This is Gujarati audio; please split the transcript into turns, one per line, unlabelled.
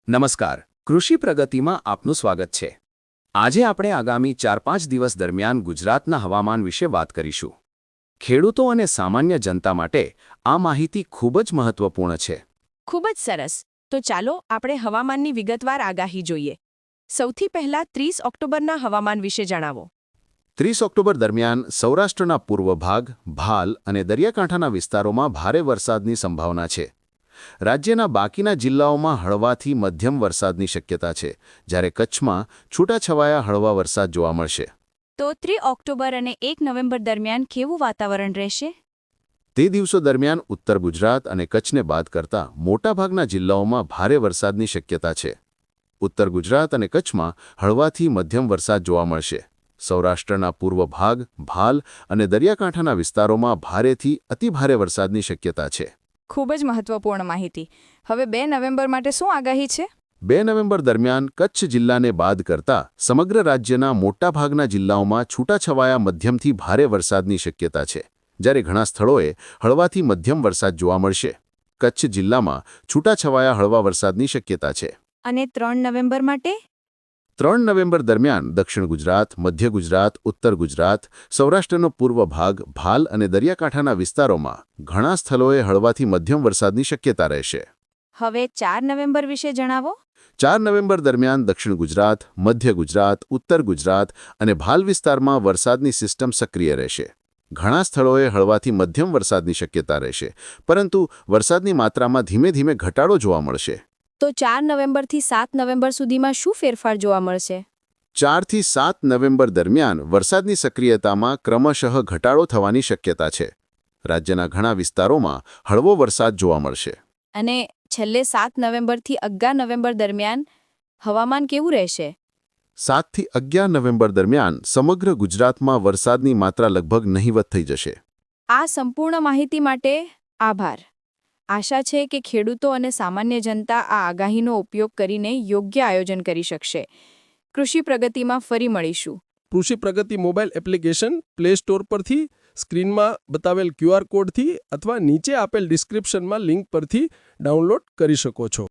નમસ્કાર, કૃષિ પ્રગતિમાં આપનું સ્વાગત છે। આજે આપણે આગામી 4-5 દિવસ દરમિયાન ગુજરાતના હવામાન વિશે વાત કરીશું। ખેડૂતો અને સામાન્ય જનતા માટે આ માહિતી ખૂબ જ મહત્વપૂર્ણ છે।
ખૂબ જ સરસ। તો ચાલો આપણે હવામાનની વિગતવાર આગાહી જોઈએ। સૌથી પહેલા 30 ઓક્ટોબરના હવામાન વિશે જણાવો।
30 ઓક્ટોબર દરમિયાન સૌરાષ્ટ્રના પૂર્વ ભાગ, ભાલ અને દરિયાકાંઠાના વિસ્તારોમાં ભારે વરસાદની સંભાવના છે। રાજ્યના બાકીના જિલ્લાઓમાં હળવાથી મધ્યમ વરસાદની શક્યતા છે, જ્યારે કચ્છમાં છૂટાછવાયા હળવા વરસાદ જોવા મળશે।
તો 3 ઓક્ટોબર અને 1 નવેમ્બર દરમિયાન કેવું વાતાવરણ રહેશે?
તે દિવસો દરમિયાન ઉત્તર ગુજરાત અને કચ્છને બાદ કરતા મોટાભાગના જિલ્લાઓમાં ભારે વરસાદની શક્યતા છે। ઉત્તર ગુજરાત અને કચ્છમાં હળવાથી મધ્યમ વરસાદ જોવા મળશે। સૌરાષ્ટ્રના પૂર્વ ભાગ, ભાલ અને દરિયાકાંઠાના વિસ્તારોમાં ભારેથી અતિભારે વરસાદની શક્યતા છે।
ખૂબ જ મહત્વપૂર્ણ માહિતી। હવે 2 નવેમ્બર માટે શું આગાહી છે?
2 નવેમ્બર દરમિયાન કચ્છ જિલ્લાને બાદ કરતા સમગ્ર રાજ્યના મોટાભાગના જિલ્લાઓમાં છૂટાછવાયા મધ્યમથી ભારે વરસાદની શક્યતા છે, જ્યારે ઘણા સ્થળોએ હળવાથી મધ્યમ વરસાદ જોવા મળશે। કચ્છ જિલ્લામાં છૂટાછવાયા હળવા વરસાદની શક્યતા છે।
અને 3 નવેમ્બર માટે?
3 નવેમ્બર દરમિયાન દક્ષિણ ગુજરાત, મધ્ય ગુજરાત, ઉત્તર ગુજરાત, સૌરાષ્ટ્રનો પૂર્વ ભાગ, ભાલ અને દરિયાકાંઠાના વિસ્તારોમાં ઘણા સ્થળોએ હળવાથી મધ્યમ વરસાદની શક્યતા રહેશે।
હવે 4 નવેમ્બર વિશે જણાવો।
4 નવેમ્બર દરમિયાન દક્ષિણ ગુજરાત, મધ્ય ગુજરાત, ઉત્તર ગુજરાત અને ભાલ વિસ્તારમાં વરસાદની સિસ્ટમ સક્રિય રહેશે। ઘણા સ્થળોએ હળવાથી મધ્યમ વરસાદની શક્યતા રહેશે, પરંતુ વરસાદની માત્રામાં ધીમે ધીમે ઘટાડો જોવા મળશે।
તો 4 નવેમ્બરથી 7 નવેમ્બર સુધીમાં શું ફેરફાર જોવા મળશે?
4 થી 7 નવેમ્બર દરમિયાન વરસાદની સક્રિયતામાં ક્રમશઃ ઘટાડો થવાની શક્યતા છે। રાજ્યના ઘણા વિસ્તારોમાં હળવો વરસાદ જોવા મળશે।
અને છેલ્લે 7 નવેમ્બરથી 11 નવેમ્બર દરમિયાન હવામાન કેવું રહેશે?
7 થી 11 નવેમ્બર દરમિયાન સમગ્ર ગુજરાતમાં વરસાદની માત્રા લગભગ નહિવત થઈ જશે।
આ સંપૂર્ણ માહિતી માટે આભાર। આશા છે કે ખેડૂતો અને સામાન્ય જનતા આ આગાહીનો ઉપયોગ કરીને યોગ્ય આયોજન કરી શકશે। કૃષિ પ્રગતિમાં ફરી મળીશું।
Krishi Pragati mobile application play store પરથી, સ્ક્રીનમાં બતાવેલ QR કોડથી અથવા નીચે આપેલ ડિસ્ક્રિપ્શનમાં લિંક પરથી ડાઉનલોડ કરી શકો છો।